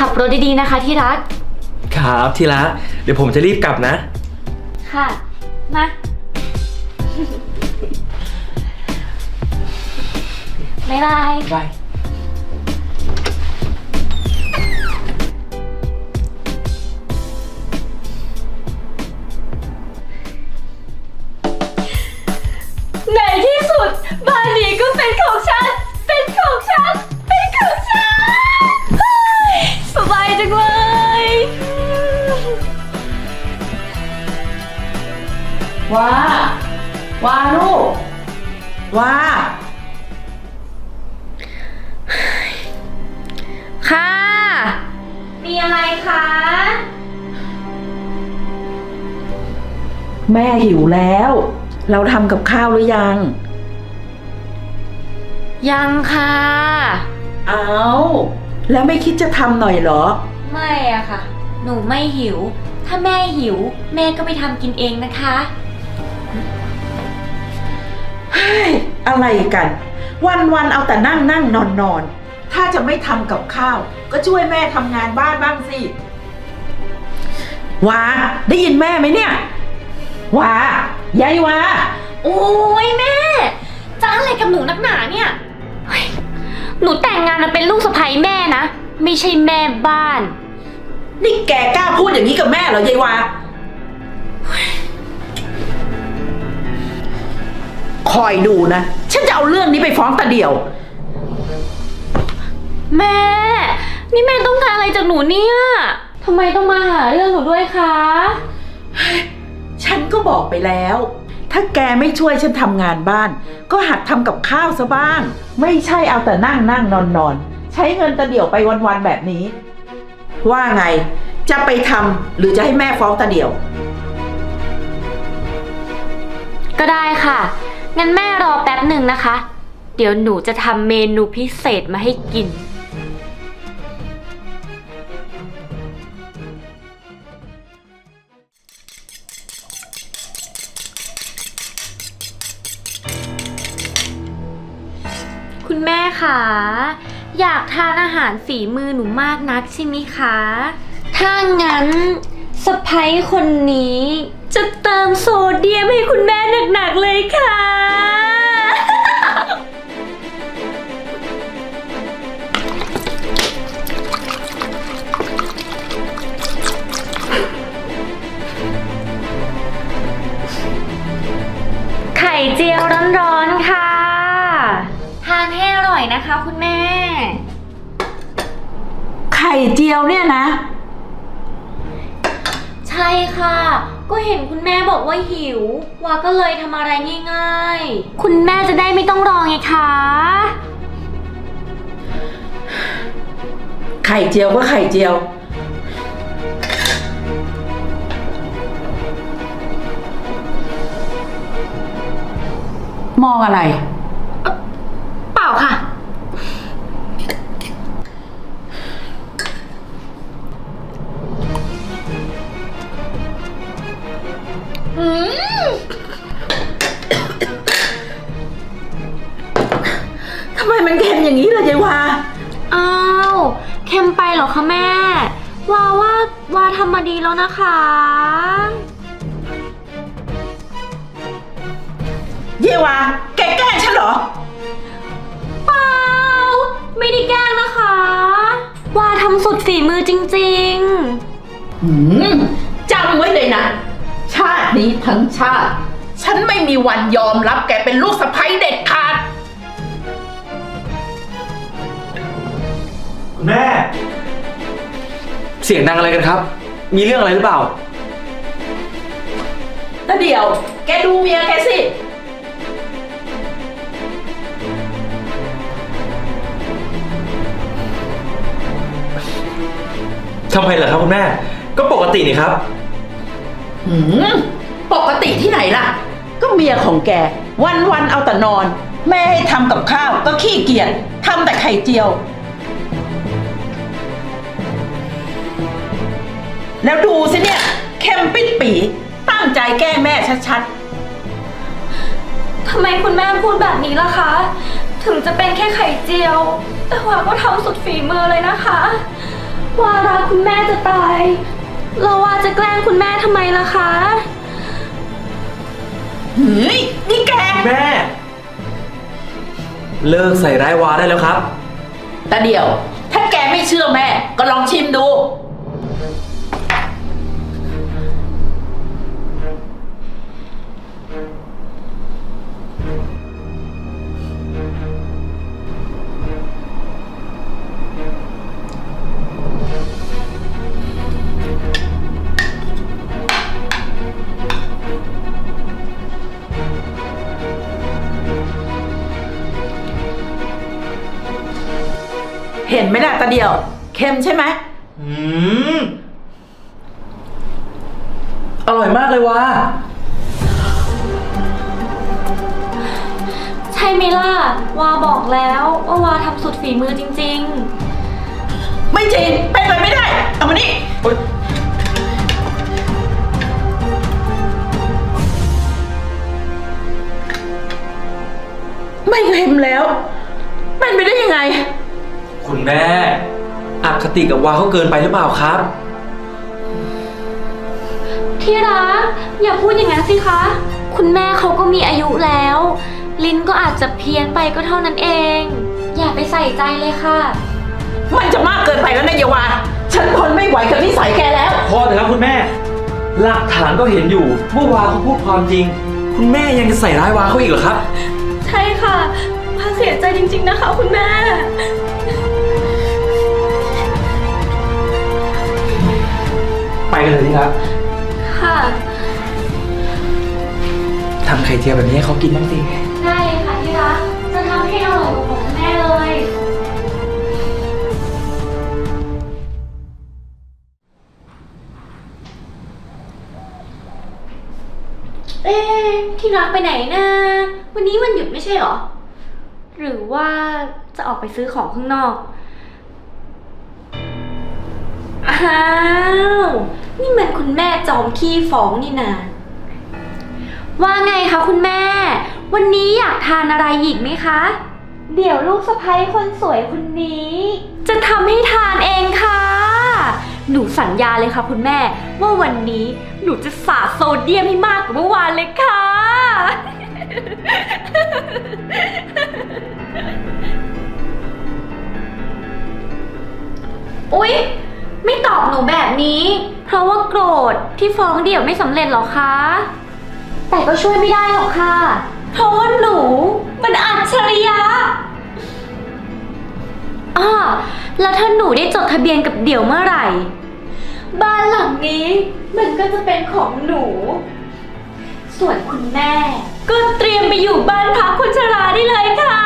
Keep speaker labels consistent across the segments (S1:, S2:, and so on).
S1: ขับรถดีๆนะคะที่รัก
S2: ครับที่รักเดี๋ยวผมจะรีบกลับนะ
S1: ค่ะมาบ๊ายบาย
S2: บาย
S1: ในที่สุดบ้านนี้ก็เป็นของฉันเป็นของฉันเป็นของฉันสบายจังเลย
S3: ว่าลูกว่า
S1: ค่ะมีอะไรคะ
S3: แม่หิวแล้ว เราทำกับข้าวหรือยัง
S1: ยังค่ะ
S3: เอาแล้วไม่คิดจะทำหน่อยเหรอ
S1: ไม่อะค่ะหนูไม่หิวถ้าแม่หิวแม่ก็ไปทำกินเองนะคะ
S3: เฮ้ยอะไรกัน วันเอาแต่นั่งนอนถ้าจะไม่ทำกับข้าวก็ช่วยแม่ทำงานบ้านบ้างสิว้าได้ยินแม่ไหมเนี่ยว้ายายว้า
S1: โอ้ยแม่จะอะไรกับหนูนักหนาเนี่ยหนูแต่งงานมาเป็นลูกสะใภ้แม่นะไม่ใช่แม่บ้าน
S3: นี่แกกล้าพูดอย่างนี้กับแม่เหรอยายวาคอยดูนะฉันจะเอาเรื่องนี้ไปฟ้องตาเดี่ยว
S1: แม่นี่แม่ต้องการอะไรจากหนูเนี่ยทำไมต้องมาหาเรื่องหนูด้วยคะ
S3: ฉันก็บอกไปแล้วถ้าแกไม่ช่วยฉันทำงานบ้านก็หัดทำกับข้าวซะบ้างไม่ใช่เอาแต่นั่งนอนใช้เงินตาเดี่ยวไปวันๆแบบนี้ว่าไงจะไปทำหรือจะให้แม่ฟ้องตาเดี่ยว
S1: ก็ได้ค่ะงั้นแม่รอแป๊บหนึ่งนะคะเดี๋ยวหนูจะทำเมนูพิเศษมาให้กินคุณแม่คะอยากทานอาหารฝีมือหนูมากนักใช่ไหมคะถ้างั้นสะใภ้คนนี้จะเติมโซเดียมให้คุณแม่หนักๆเลยค่ะไข่เจียวร้อนๆค่ะทานให้อร่อยนะคะคุณแม่
S3: ไข่เจียวเนี่ยนะ
S1: ใช่ค่ะก็เห็นคุณแม่บอกว่าหิววาก็เลยทำอะไรง่ายๆคุณแม่จะได้ไม่ต้องรอไงคะ
S3: ไข่เจียวก็ไข่เจียวมองอะไร
S1: เปล่าค่ะ
S3: ทำไมมันเค็มอย่างนี้ล่ะยายวา
S1: อ้าวเค็มไปเหรอคะแม่วาทำมาดีแล้วนะคะ
S3: เยวาแกแกล้งฉันเหรอ
S1: เปล่าไม่ได้แกล้งนะคะวาทำสุดฝีมือจริง
S3: ๆจำไว้เลยนะชาตินี้ทั้งชาติฉันไม่มีวันยอมรับแกเป็นลูกสะใภ้เด็ดขาด
S2: คุณแม่เสียงดังอะไรกันครับมีเรื่องอะไรหรือเปล่า
S3: แล้วเดี๋ยวแกดูเมียแกสิ
S2: ทำไมล่ะครับคุณแม่ก็ปกตินี่ครับ
S3: ปกติที่ไหนล่ะก็เมียของแกวันเอาแต่นอนแม่ให้ทำกับข้าวก็ขี้เกียจทำแต่ไข่เจียวแล้วดูสิเนี่ยเข้มปิดปีตั้งใจแก้แม่ชัด
S1: ๆทำไมคุณแม่พูดแบบนี้ล่ะคะถึงจะเป็นแค่ไข่เจียวแต่ว่าก็ทำสุดฝีมือเลยนะคะว่ารักคุณแม่จะตายเราว่าจะแกล้งคุณแม่ทำไมล่ะคะ
S3: เฮ้ยนี่แก
S2: แม่ เลิกใส่ร้ายวาได้แล้วครับ
S3: ตาเดียว ถ้าแกไม่เชื่อแม่ ก็ลองชิมดู เห็นไหมล่ะตาเดียว เค็มใช่ไหม
S2: อืม อร่อยมากเลยวะ
S1: ใช่ไหมล่ะวาบอกแล้วว่าวาทำสุดฝีมือจริง
S3: ไม่จริงเป็นไปไม่ได้ เอามานี่ ไม่เค็มแล้ว เป็นไปได้ยังไง
S2: คุณแม่อคติกับวาเขาเกินไปหรือเปล่าครับ
S1: ๆ ที่รักอย่าพูดอย่างนั้นสิคะ คุณแม่เขาก็มีอายุแล้ว ลิ้นก็อาจจะเพี้ยนไปก็เท่านั้นเอง อย่าไปใส่ใจเลยค่ะ
S3: มันจะมากเกินไปแล้วนะเยาวาฉันทนไม่ไหวกับนิสัยแกแล้ว
S2: พอเถอะครับคุณแม่ หลักฐานก็เห็นอยู่ว่าวาเขาพูดความจริง คุณแม่ยังจะใส่ร้ายวาเขาอีกเหรอครับ
S1: ใช่ค่ะวาเสียใจจริงๆนะคะคุณแม่
S2: ไปกันเลยสิครับ
S1: ค่ะ
S2: ทำไข่เจียวแบบนี้ให้เขากินบ้างสิ
S1: ได้เลยค่ะที่รักจะทำให้อร่อยกว่าของคุณแม่เลย เอ๊ะที่รักไปไหนนะวันนี้วันหยุดไม่ใช่เหรอ หรือว่าจะออกไปซื้อของข้างนอก อ้าว นี่มันคุณแม่จอมขี้ฟ้องนี่นาว่าไงคะคุณแม่ วันนี้อยากทานอะไรอีกไหมคะ เดี๋ยวลูกสะใภ้คนสวยคนนี้ จะทำให้ทานเองค่ะ หนูสัญญาเลยค่ะคุณแม่ ว่าวันนี้หนูจะสาดโซเดียมให้มากกว่าเมื่อวานเลยค่ะ อุ๊ย ไม่ตอบหนูแบบนี้ เพราะว่าโกรธที่ฟ้องเดี่ยวไม่สำเร็จหรอคะ แต่ก็ช่วยไม่ได้หรอกค่ะ เพราะว่าหนูมันอัจฉริยะอ้อแล้วถ้าหนูได้จดทะเบียนกับเดี่ยวเมื่อไหร่ บ้านหลังนี้มันก็จะเป็นของหนู ส่วนคุณแม่ ก็เตรียมไปอยู่บ้านพักคนชราได้เลยค่ะ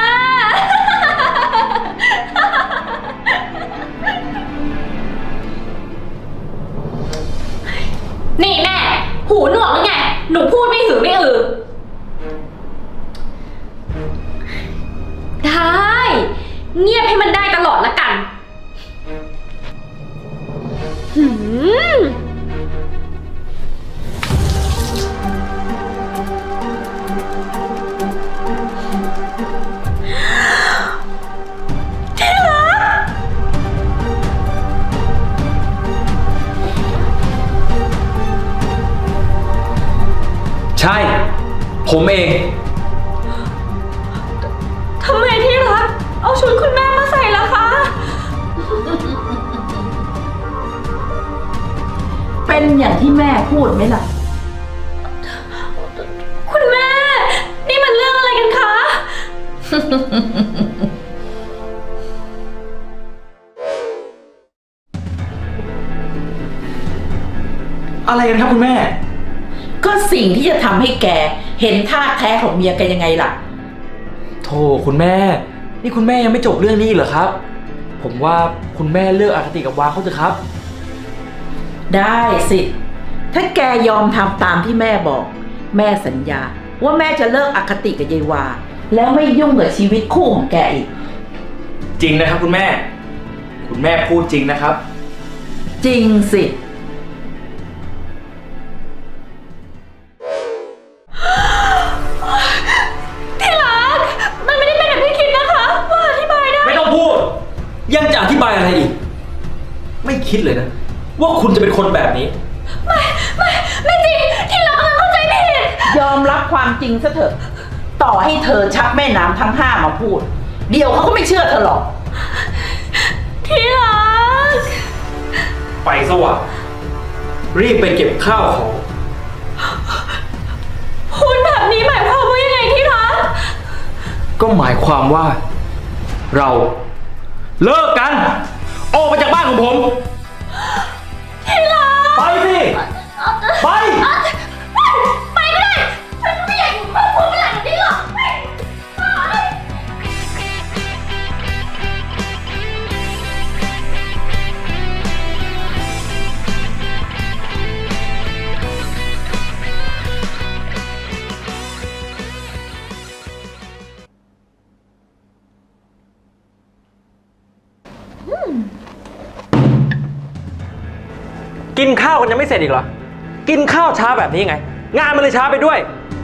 S1: นี่แม่ หูหนวกหรือไง หนูพูดไม่หือไม่อือ ได้ เงียบให้มันได้ตลอดละกันหืมที่รัก
S2: ใช่ ผมเอง
S1: ทำไมที่รัก เอาชุดคุณแม่มาใส่ล่ะคะ
S3: เป็นอย่างที่แม่พูดไหมล่ะ
S1: คุณแม่ นี่มันเรื่องอะไรกันคะ
S2: อะไรกันครับคุณแม่
S3: ก็สิ่งที่จะทำให้แกเห็นท่าแท้ของเมียแกยังไงล่ะ
S2: โธ่คุณแม่ นี่คุณแม่ยังไม่จบเรื่องนี้อีกเหรอครับ ผมว่าคุณแม่เลิกอคติกับวาเขาเถอะครับ
S3: ได้สิ ถ้าแกยอมทำตามที่แม่บอก แม่สัญญา ว่าแม่จะเลิกอคติกับยายวา แล้วไม่ยุ่งกับชีวิตคู่ของแกอีก
S2: จริงนะครับคุณแม่ คุณแม่พูดจริงนะครับ
S3: จริงสิ
S1: ที่รัก มันไม่ได้เป็นแบบที่คิดนะคะ ว่าอธิบายได้
S2: ไม่ต้องพูด ยังจะอธิบายอะไรอีกไม่คิดเลยนะ ว่าคุณจะเป็นคนแบบนี้
S1: ไม่จริง ที่รักกำลังเข้าใจผิด
S3: ยอมรับความจริงซะเถอะ ต่อให้เธอชักแม่น้ำทั้งห้ามาพูด เดี๋ยวเขาก็ไม่เชื่อเธอหรอก
S1: ที่รัก
S2: ไปสว่างรีบไปเก็บข้าวของ
S1: พูดแบบนี้หมายความว่ายังไงที่รัก
S2: ก็หมายความว่า เราเลิกกัน ออกไปจากบ้านของผม
S1: ที่รัก
S2: ไปสิ ไป
S1: ไปก็ได้ ฉันก็ไม่อยากอยู่ครอบครัวเป็นหลานแบบนี้หรอกไป
S2: กินข้าวกันยังไม่เสร็จอีกเหรอ กินข้าวช้าแบบนี้ไง งานมันเลยช้าไปด้วย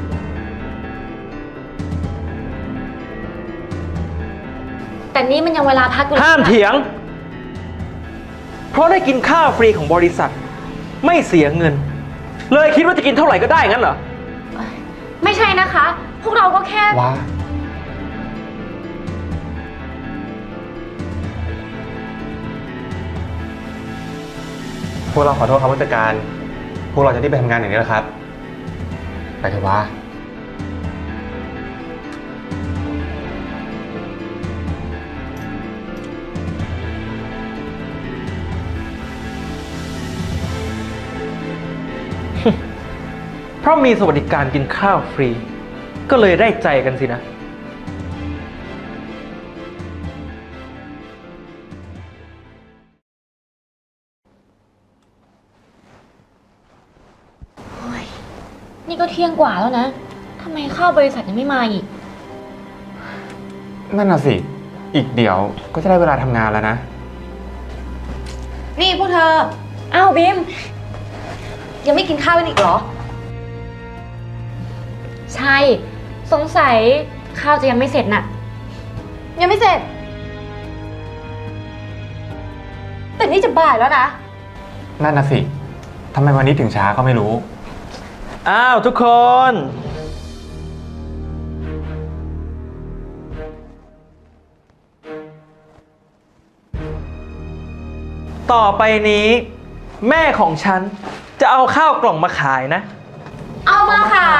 S1: แต่นี่มันยังเวลาพักอยู่
S2: ห้ามเถียง เพราะได้กินข้าวฟรีของบริษัท ไม่เสียเงิน เลยคิดว่าจะกินเท่าไหร่ก็ได้งั้นเหรอ
S1: ไม่ใช่นะคะ พวกเราก็แค่
S4: ว้าพวกเราขอโทษครับผู้จัดการ พวกเราจะได้ไปทำงานอย่างนี้แล้วครับ ไปเถอะว้า
S2: เพราะมีสวัสดิการกินข้าวฟรี ก็เลยได้ใจกันสินะ
S1: นี่ก็เที่ยงกว่าแล้วนะ ทำไมข้าวบริษัทยังไม่มาอีก
S4: นั่นน่ะสิ อีกเดี๋ยวก็จะได้เวลาทำงานแล้วนะ
S5: นี่พวกเธอ
S1: อ้าวบิม
S5: ยังไม่กินข้าวกันอีกเหรอ
S1: ใช่ สงสัยข้าวจะยังไม่เสร็จน่ะ
S5: ยังไม่เสร็จ แต่นี่จะบ่ายแล้วนะ
S4: นั่นน่ะสิทำไมวันนี้ถึงช้าก็ไม่รู้
S2: อ้าวทุกคน ต่อไปนี้ แม่ของฉันจะเอาข้าวกล่องมาขายนะ
S1: เอามาขาย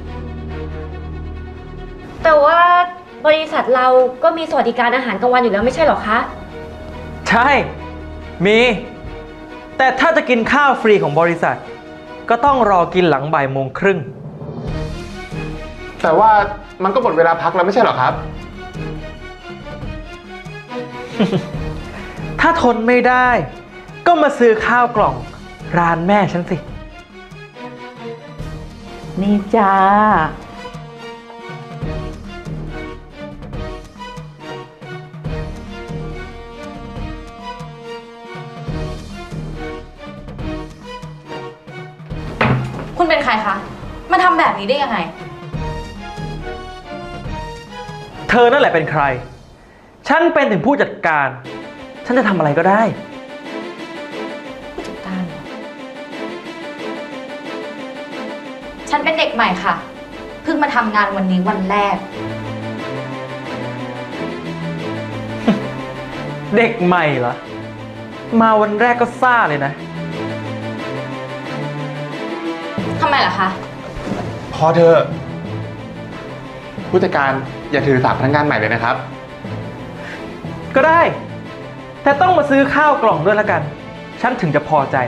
S1: แต่ว่าบริษัทเราก็มีสวัสดิการอาหารกลางวันอยู่แล้วไม่ใช่หรอคะ
S2: ใช่ มี แต่ถ้าจะกินข้าวฟรีของบริษัท ก็ต้องรอกินหลังบ่ายโมงครึ่ง
S4: แต่ว่ามันก็หมดเวลาพักแล้วไม่ใช่เหรอครับ
S2: ถ้าทนไม่ได้ ก็มาซื้อข้าวกล่องร้านแม่ฉันสิ
S3: นี่จ้า
S5: คุณเป็นใครคะ มาทำแบบนี้ได้ยังไง
S2: เธอนั่นแหละเป็นใคร ฉันเป็นถึงผู้จัดการ ฉันจะทำอะไรก็ได้
S5: ผู้จัดการเหรอ ฉันเป็นเด็กใหม่ค่ะ เพิ่งมาทำงานวันนี้วันแรก
S2: เด็กใหม่เหรอ มาวันแรกก็ซ่าเลยนะ
S5: ทำไมล่ะคะ
S4: พอเธอะผู้จัดการอย่าถือสาพนักงานใหม่เลยนะครับ
S2: ก็ได้ แต่ต้องมาซื้อข้าวกล่องด้วยละกัน ฉันถึงจะพอใจ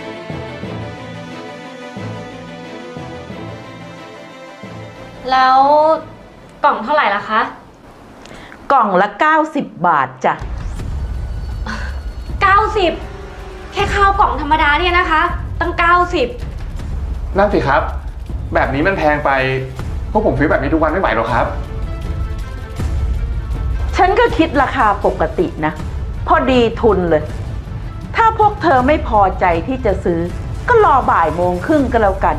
S1: แล้วกล่องเท่าไหร่ล่ะคะ
S3: กล่องละ 90 บาทจ้ะ
S1: 90 แค่ข้าวกล่องธรรมดาเนี่ยนะคะ ตั้ง 90
S4: นั่นสิครับ แบบนี้มันแพงไป พวกผมซื้อแบบนี้ทุกวันไม่ไหวหรอกครับ
S3: ฉันก็คิดราคาปกตินะ พอดีทุนเลย ถ้าพวกเธอไม่พอใจที่จะซื้อ ก็รอบ่ายโมงครึ่งก็แล้วกัน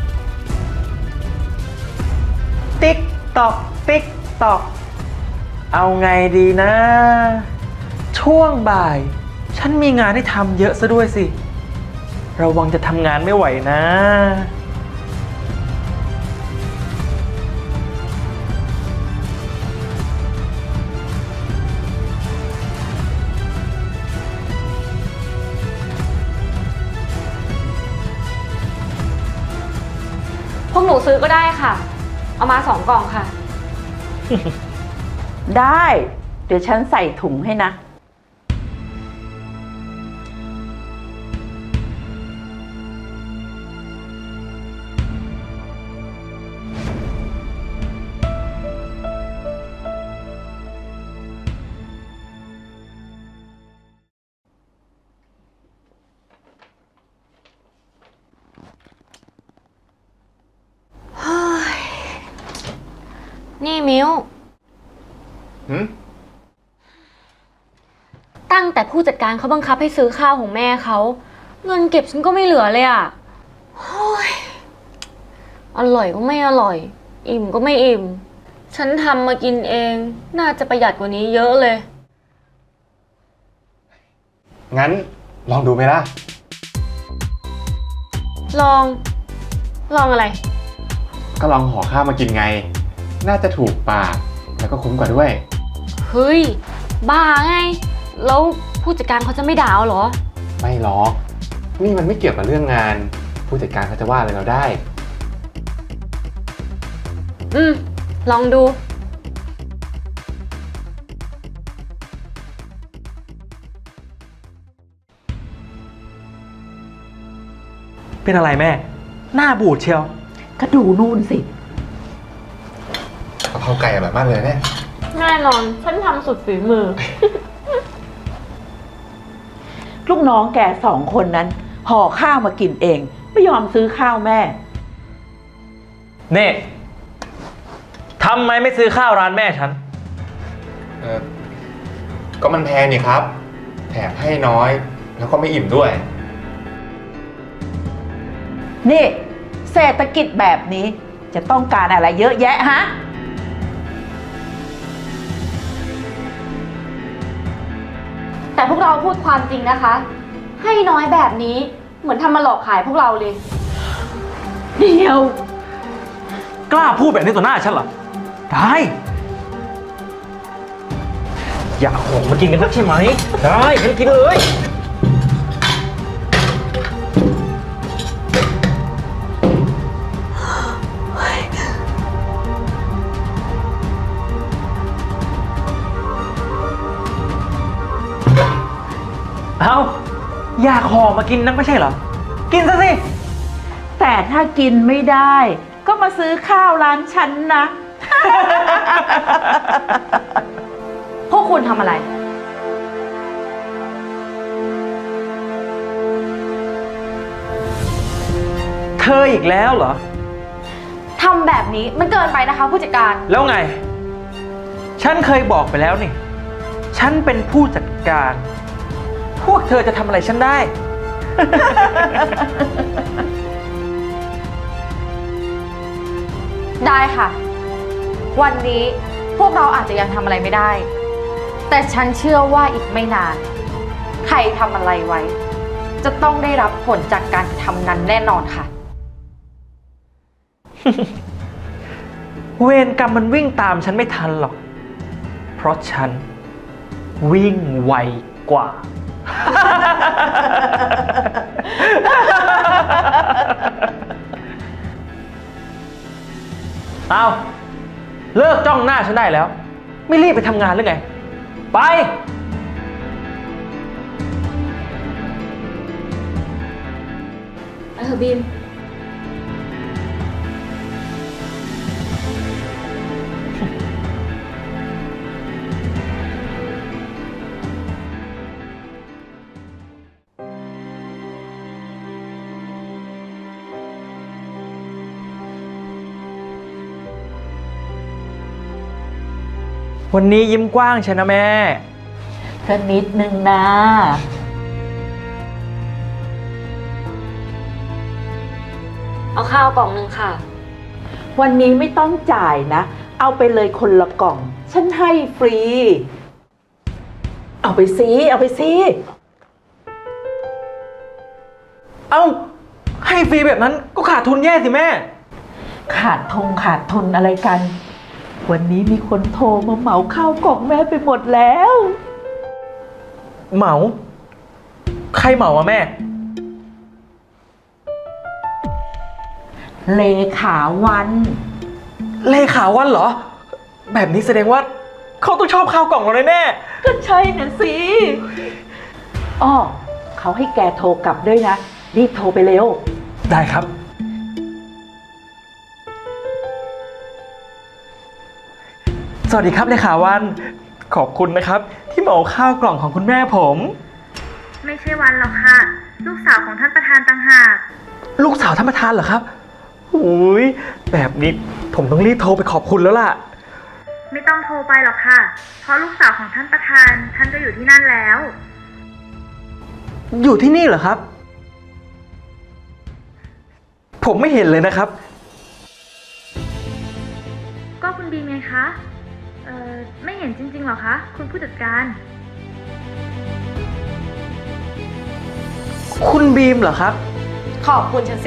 S2: ติ๊กตอก ติ๊กตอก เอาไงดีนะ ช่วงบ่ายฉันมีงานให้ทำเยอะซะด้วยสิ ระวังจะทำงานไม่ไหวนะ
S1: พวกหนูซื้อก็ได้ค่ะ เอามา2 กล่องค่ะ
S3: ได้ เดี๋ยวฉันใส่ถุงให้นะ
S1: นี่มิ้ว
S4: หืม
S1: ตั้งแต่ผู้จัดการเขาบังคับให้ซื้อข้าวของแม่เขา เงินเก็บฉันก็ไม่เหลือเลยอ่ะโอ้ยอร่อยก็ไม่อร่อย อิ่มก็ไม่อิ่ม ฉันทำมากินเอง น่าจะประหยัดกว่านี้เยอะเลย
S4: งั้นลองดูไหมล่ะ
S1: ลองอะไร
S4: ก็ลองห่อข้าวมากินไง น่าจะถูกปาก แล้วก็คุ้มกว่าด้วย
S1: เฮ้ย บ้าไง แล้วผู้จัดการเขาจะไม่ด่าเอาเหรอ
S4: ไม่หรอก นี่มันไม่เกี่ยวกับเรื่องงาน ผู้จัดการเขาจะว่าอะไรเราได้
S1: ลองดู
S2: เป็นอะไรแม่ หน้าบูดเชียว
S3: ก็ดูนู่นสิ
S4: กะเพราไก่อร่อยมากเลยเนี่ย
S1: แน่นอน ฉันทำสุดฝีมือ
S3: ลูกน้องแก2 คนนั้นห่อข้าวมากินเอง ไม่ยอมซื้อข้าวแม่
S2: เน่ทำไมไม่ซื้อข้าวร้านแม่ฉัน
S4: ก็มันแพงนี่ครับ แถมให้น้อย แล้วก็ไม่อิ่มด้วย
S3: นี่เศรษฐกิจแบบนี้จะต้องการอะไรเยอะแยะฮะ
S1: แต่พวกเราพูดความจริงนะคะ ให้น้อยแบบนี้เหมือนทำมาหลอกขายพวกเราเลย
S3: เดียว
S2: กล้าพูดแบบนี้ต่อหน้าฉันเหรอ ได้ อยากของมากินกันนักใช่ไหม ได้งั้นกินเลย เอาอยากห่อมากินนักไม่ใช่เหรอ กินซะสิ
S3: แต่ถ้ากินไม่ได้ ก็มาซื้อข้าวร้านฉันนะ
S5: พวกคุณทำอะไร
S2: เธออีกแล้วเหรอ
S5: ทำแบบนี้มันเกินไปนะคะ ผู้จัดการ
S2: แล้วไง ฉันเคยบอกไปแล้วนี่ ฉันเป็นผู้จัดการ พวกเธอจะทำอะไรฉันได้
S5: ได้ค่ะ วันนี้พวกเราอาจจะยังทำอะไรไม่ได้ แต่ฉันเชื่อว่าอีกไม่นาน ใครทำอะไรไว้ จะต้องได้รับผลจากการกระทำนั้นแน่นอนค่ะ
S2: เวรกรรมมันวิ่งตามฉันไม่ทันหรอก เพราะฉันวิ่งไวกว่า เอาเลิกจ้องหน้าฉันได้แล้ว ไม่รีบไปทำงานหรือไง ไป
S1: บีม
S2: วันนี้ยิ้มกว้างใช่นะแม่
S3: เธอนิดนึงนะ
S1: เอาข้าวกล่องหนึ่งค่ะ
S3: วันนี้ไม่ต้องจ่ายนะ เอาไปเลยคนละกล่อง ฉันให้ฟรี เอาไปซิ
S2: เอ้า ให้ฟรีแบบนั้นก็ขาดทุนแย่สิแม่
S3: ขาดทุนอะไรกัน วันนี้มีคนโทรมาเหมาข้าวกล่องแม่ไปหมดแล้ว
S2: เหมา ใครเหมาอะแม่
S3: เลขาวัน
S2: เลขาวันเหรอ แบบนี้แสดงว่าเขาต้องชอบข้าวกล่องเราแน่
S3: ก็ใช่น่ะสิอ้อเขาให้แกโทรกลับด้วยนะ รีบโทรไปเร็ว
S2: ๆได้ครับ สวัสดีครับเลขาวัน ขอบคุณนะครับ ที่เหมาข้าวกล่องของคุณแม่ผม
S6: ไม่ใช่วันหรอกค่ะ ลูกสาวของท่านประธานต่างหาก
S2: ลูกสาวท่านประธานเหรอครับอุ้ยแบบนี้ผมต้องรีบโทรไปขอบคุณแล้วล่ะ
S6: ไม่ต้องโทรไปหรอกค่ะ เพราะลูกสาวของท่านประธานท่านก็อยู่ที่นั่นแล้ว
S2: อยู่ที่นี่เหรอครับ ผมไม่เห็นเลยนะครับ
S6: ก็คุณบีมไงคะไม่เห็นจริงๆหรอคะ คุณผู้จัดการ
S2: คุณบีมเหรอครับ
S5: ขอบคุณฉันสิ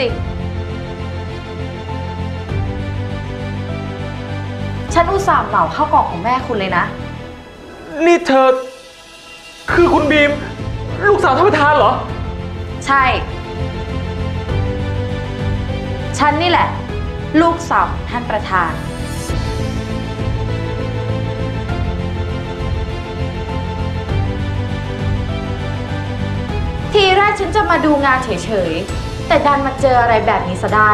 S5: ฉันอุตส่าห์เหมาข้าวกล่องของแม่คุณเลยนะ
S2: นี่เธอ คือคุณบีม ลูกสาวท่านประธานเหรอ
S5: ใช่ ฉันนี่แหละ ลูกสาวของท่านประธาน ทีแรกฉันจะมาดูงานเฉยๆ แต่ดันมาเจออะไรแบบนี้ซะได้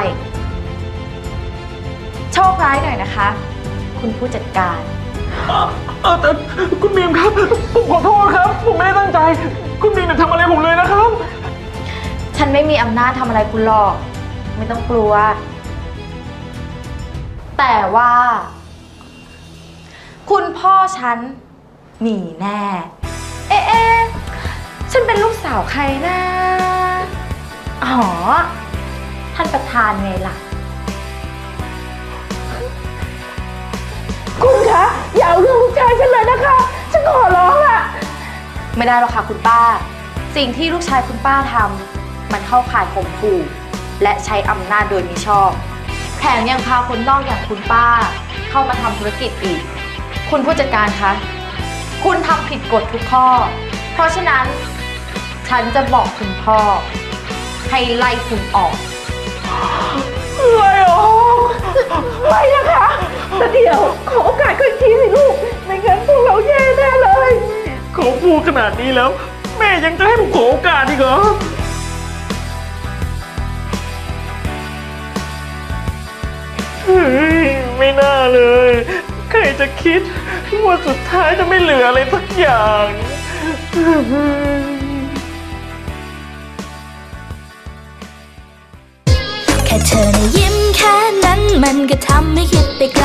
S5: โชคร้ายหน่อยนะคะ คุณผู้จัดการ
S2: แต่คุณบีมครับ ผมขอโทษครับ ผมไม่ได้ตั้งใจ คุณบีมอย่าทำอะไรผมเลยนะครับ
S5: ฉันไม่มีอำนาจทำอะไรคุณหรอก ไม่ต้องกลัว แต่ว่า คุณพ่อฉันมีแน่ เอ๊ะ ฉันเป็นลูกสาวใครนะ อ๋อ ท่านประธานไงล่ะ
S3: คุณคะ อย่าเอาเรื่องลูกชายฉันเลยนะคะ ฉันขอร้องล่ะ
S5: ไม่ได้หรอกค่ะคุณป้า สิ่งที่ลูกชายคุณป้าทำมันเข้าข่ายข่มขู่และใช้อำนาจโดยมิชอบ แถมยังพาคนนอกอย่างคุณป้า เข้ามาทำธุรกิจอีก คุณผู้จัดการคะ คุณทำผิดกฎทุกข้อ เพราะฉะนั้น ฉันจะบอกคุณพ่อ ให้ไล่คุณออก
S3: ไม่ออกไม่นะคะแต่เดี๋ยวขอโอกาสก็อีกทีสิลูก ไม่งั้นพวกเราแย่แน่เลย
S2: เขาพูดขนาดนี้แล้ว แม่ยังจะให้ผมขอโอกาสอีกเหรอ เฮ้ย ไม่น่าเลย ใครจะคิดว่าสุดท้ายจะไม่เหลืออะไรสักอย่าง
S7: แค่เธอนะยิ้มแค่นั้นมันก็ทำให้คิดไปไกล